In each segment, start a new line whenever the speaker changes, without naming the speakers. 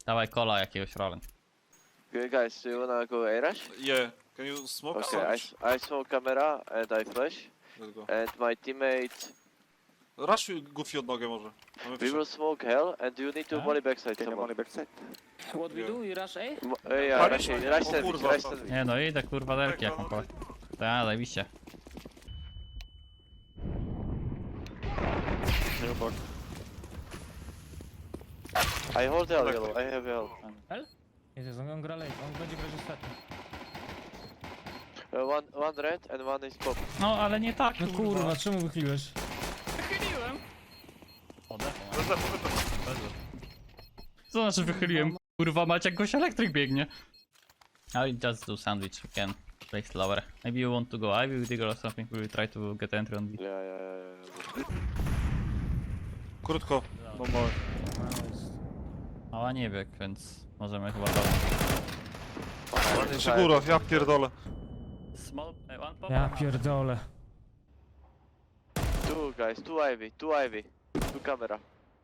Dawaj kola jakiegoś rolę.
Okay, guys, do you wanna go A-Rush?
Yeah. Can you smoke
Okay,
sandwich?
I smoke camera and I flash.
Let's go.
And my teammate...
Rush Goofy od nogę może. Mamy
We will smoke hell and you need to
Huh?
molly backside
Can you
someone.
molly backside?
What we
Yeah.
do? You rush A?
Yeah,
Palisz?
rush, rush
O
sandwich,
kurwa,
rush
to-
sandwich.
Nie no idę kurwa derki jak mam kolej. Tak, zajebiście.
New box.
I hold hell yellow, I have hell.
Jezus, on gra late, on będzie grać ostatni.
One red and one is pop.
No ale nie tak
No kurwa, czemu wychyliłeś?
Wychyliłem.
Rozlepę.
Co znaczy wychyliłem? Kurwa mać jak goś elektryk biegnie. I just do sandwich, we can play slower. Maybe you want to go Ivy with Digger or something, we will try to get entry on B.
Yeah.
Krótko. No more.
Mała nie bieg, więc możemy chyba to.
Jeszcze góra, ja pierdolę.
Small, one pop.
Ja pierdolę.
Two guys, two Ivy. Two camera.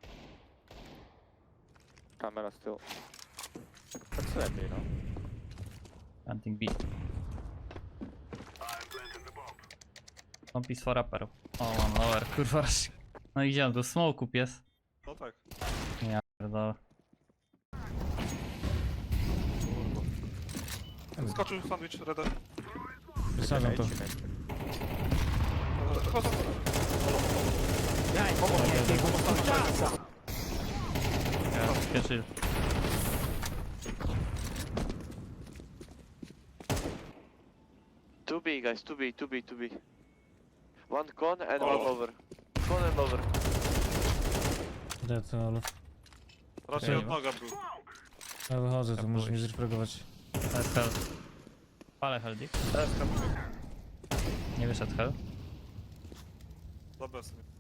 Camera still. That's empty, no?
Hunting B. One piece for upper. O, one lower, kurwa. No idziemy do smoku pies.
No tak.
Ja pierdolę.
Skoczył sandwich, Reda.
Wysadzam to.
Ja pierwszy.
Two B guys, two B. One con and
Oh.
one over. Con and over.
Dead, ale...
Raczej od noga był.
Ja wychodzę, to
Ja
możesz mi
pójść.
zreprogować.
Teraz hell. Palę heldik. Nie wyszedł hell.
Dobra, sobie.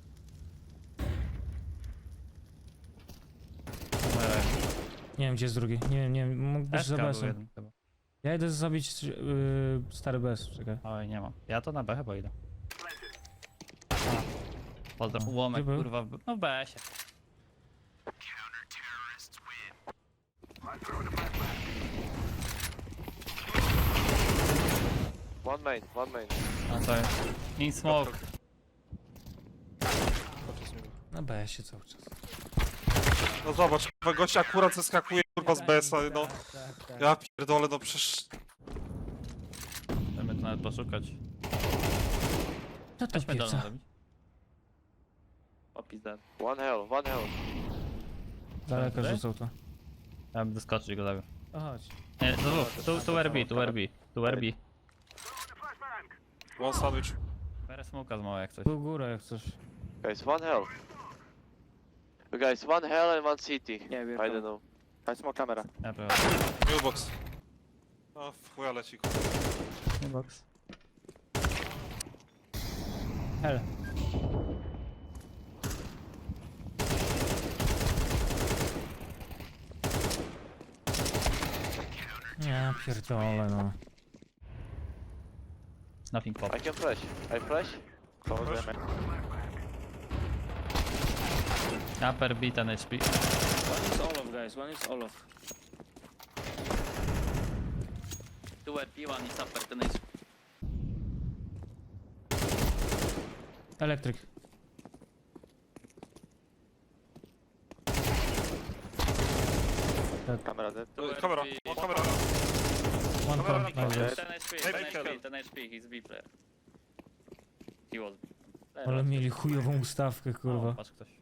Nie wiem gdzie jest drugi, nie wiem, mógł być za
SK był
BS-em.
jeden chyba.
Ja idę zabić stary BS, czekaj.
Oj, nie mam. Ja to na B chyba idę. Pozdro.
Gdzie
Łomek
był?
kurwa, no w BS-ie.
One main.
A co jest? In smoke.
Na BS-ie cały czas.
No zobacz, kurwa, gość akurat zeskakuje kurwa z BS-a, no.
Tak.
Ja pierdolę, no przecież...
Chcemy to nawet poszukać.
Co to
Weźmy dolną
pieca?
zrobić. Opis dead.
One hell.
Daleko
Tutaj?
rzucał to.
Ja bym doskoczył i go zabił.
O chodź.
Nie, to dwóch. Tu RB.
One sandwich.
Biorę smoka z małej jak coś.
Był góra jak coś.
Guys, one hell. Guys, one hell and one city.
Yeah, we're
I don't know.
I smoke camera.
Ja biorę.
New box. O, w chuja leci, kurwa.
Nie box.
Hel. Ja pierdolę no.
Nothing pop.
I can flash. I flash.
Close them.
Upper B 10 HP.
One is Olof guys, one is Olof.
Tu RP, one is upper 10 HP.
Elektryk.
Camera dead.
Kamera, o, kamera.
One
Kamera
pop.
na
Nice.
górze.
10 HP,
Maybe
10 HP,
kill.
10 HP, he's B player. He was B.
Ale mieli chujową ustawkę
O,
kurwa.
patrz ktoś.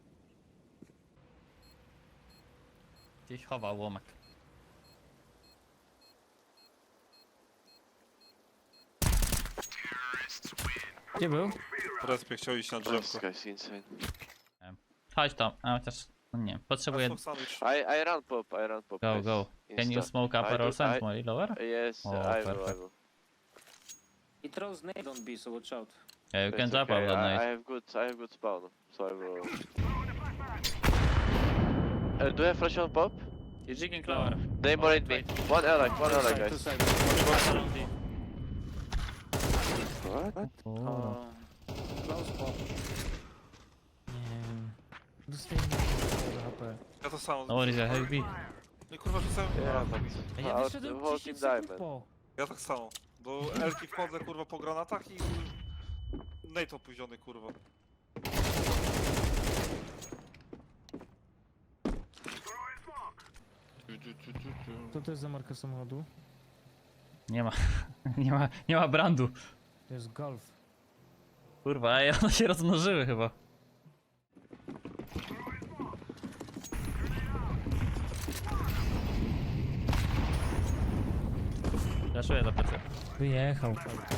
Gdzieś chowa łomek.
Gdzie był?
Respie chciał iść na
This
drzewko.
guy's insane.
Chodź tam, a chociaż, no nie wiem, potrzebuję...
Smoke sandwich.
I run pop.
Go,
guys.
go. Can you
Insta.
smoke upper
I
or
do-
send
I-
more lower?
Yes,
Oh,
I
perfect.
will.
He throws nade on B, so watch out.
Yeah, you can
It's
jump
okay.
out that
I
night.
have good spawn, so I will. Do you have flash on pop?
You're jigging lower.
They mollied me. One ally,
Two
guys.
side.
What?
Oh.
Close pop. Nie wiem. Dostajemy do HP.
Ja to samo.
No worries, I have B.
No i kurwa rzucałem...
Yeah,
A,
but
Ja
out
wyszedłem
the whole
10
team
sekund
diamond.
po.
ja tak samo. Do Elki wchodzę kurwa po granatach i... Nate opóźniony kurwa.
Co to jest za marka samochodu?
Nie ma, nie ma brandu.
To jest Golf.
Kurwa, ej, one się rozmnożyły chyba. Zaszuję za plecy.
Wyjechał.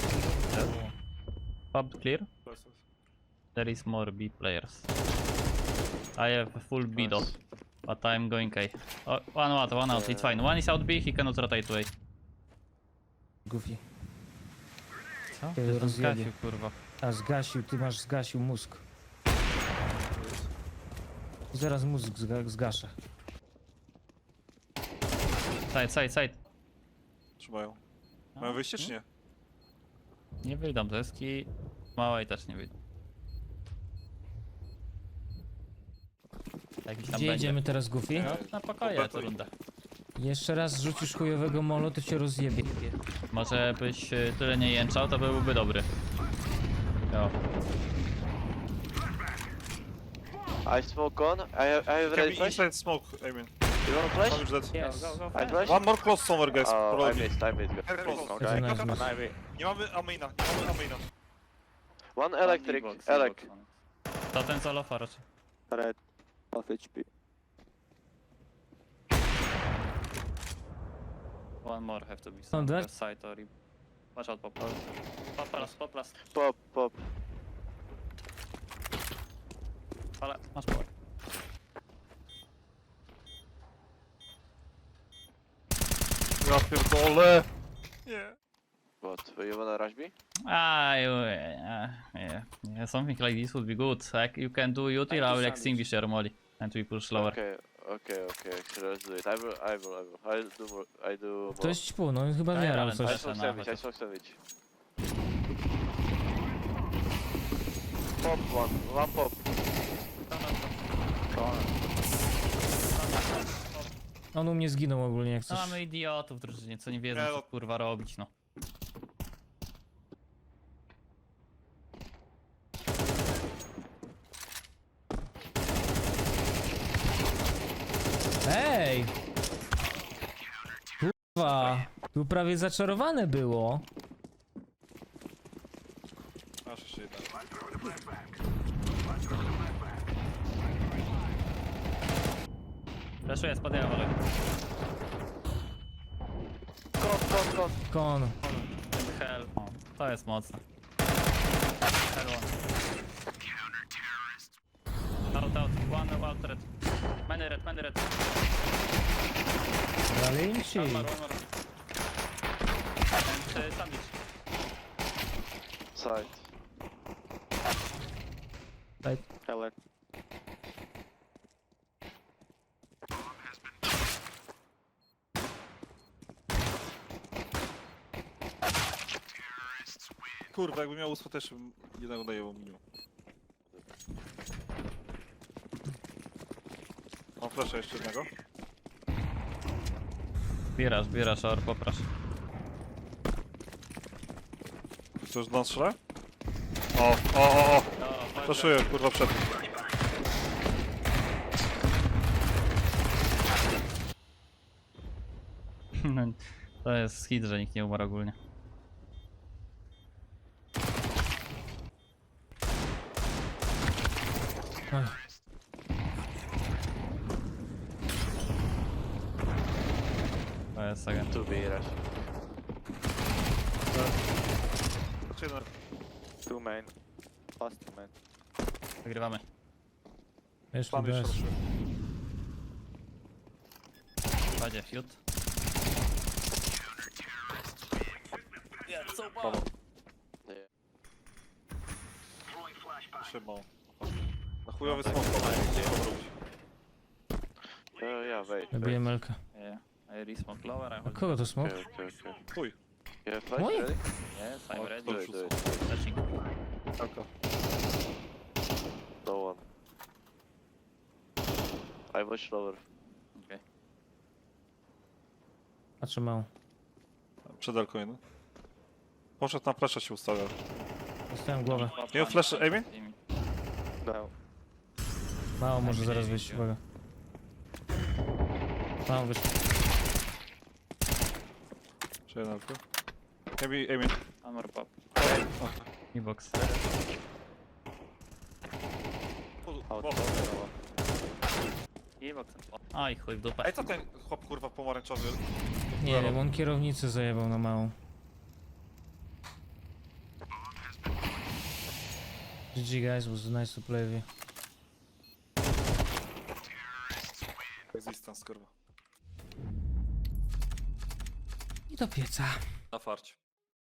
Pub clear? There is more B players. I have full B though,
Nice.
but I'm going A. Oh, one out, one out, it's fine. One is out B, he cannot rotate to A.
Goofy.
Co?
Ty
Ty
rozjebie.
zgasił, kurwa.
A zgasił, ty masz zgasił mózg. Zaraz mózg zgaszę.
Side, side, side.
Trzymają. Mają wyjście czy nie?
Nie wyjdą deski. Małej też nie wyjdą. Jakiś tam
Gdzie
będzie.
jedziemy teraz, Goofy?
No, na pokoje
Dobra,
co
to
runda.
Jeszcze raz rzucisz chujowego molo, to cię rozjebie.
Może byś tyle nie jęczał, to byłby dobry. Jo.
I smoke on. I have
Can
ready
be
flash.
inside smoke, Amen.
You wanna
One
flash?
is dead.
Yes.
I flash?
One more close somewhere guys,
Oh, I
probably.
missed, I missed.
Very close.
Okay.
That's a nice miss.
Nie mamy Amina, nie mamy Amina.
One electric, elec.
To ten solo raczej.
Red. Half HP.
One more have to be
On
some
that?
left side or... Watch out, pop. Pop plus.
Pop, pop.
Ale, masz pole.
Ja pierdolę. Nie.
What? You wanna rush me?
Yeah, something like this would be good. Like you can do util, I will extinguish your molly. And we push lower.
Okay, actually, let's do it. I'll do more. I do more.
To jest ćpu, no chyba
Daj
jarał
ramen,
coś.
I smoke sandwich, I smoke sandwich. Pop one pop.
On u mnie zginął ogólnie jak
No,
coś.
mamy idiotów w drużynie, co nie wiedzą
Nie,
co
no.
kurwa robić, no.
Ej! Kurwa! Tu prawie zaczarowane było.
Aż jeszcze jedna.
Flashuję, spadają, ale...
Con.
Kon.
Hell. O, to jest mocne. Hell one. Out, one out red. Many red.
Zalinci.
One more. And sandwich.
Side.
Elec.
Kurwa, jakbym miał ósmę też bym jednego daję minimum. Mam flasha jeszcze jednego.
Zbierasz, or poprasz.
Chcesz do nas strzelę? O! Flashuję, kurwa, przed.
To jest hit, że nikt nie umarł ogólnie.
Ach,
To jest agent.
2B rush.
Znaczy, no,
Two main. Last two main.
Wygrywamy.
Jeszcze
plan jeszcze
bez.
ruszyłem.
Będzie fiut.
Trzymał. Na chujowy smok.
Yeah, wait.
Nabiję melkę.
Yeah. I resmoke lower, I
A
hold.
kogo to smok?
Okay.
Chuj.
You have flash
Moje?
ready?
Yes, I'm ready.
Do it.
Touching.
Taka.
No one. I watch lower.
Okay.
Patrzę mało.
Przed Elką jeden. Poszedł na flesza się ustawiał.
Dostałem głowę.
Nie flash, Amy?
Dał.
Mało może zaraz wyjść, uwaga. Mało wyszło.
Czy jeden Elkę? Amy.
Armor pop. I box.
Out.
I box. Oj, chuj w dupę.
Ej, co ten chłop kurwa pomarańczowy?
Nie wiem, on kierownicę zajebał na małą. GG guys, was nice to play with you.
Existence kurwa.
I do pieca.
Na farcie.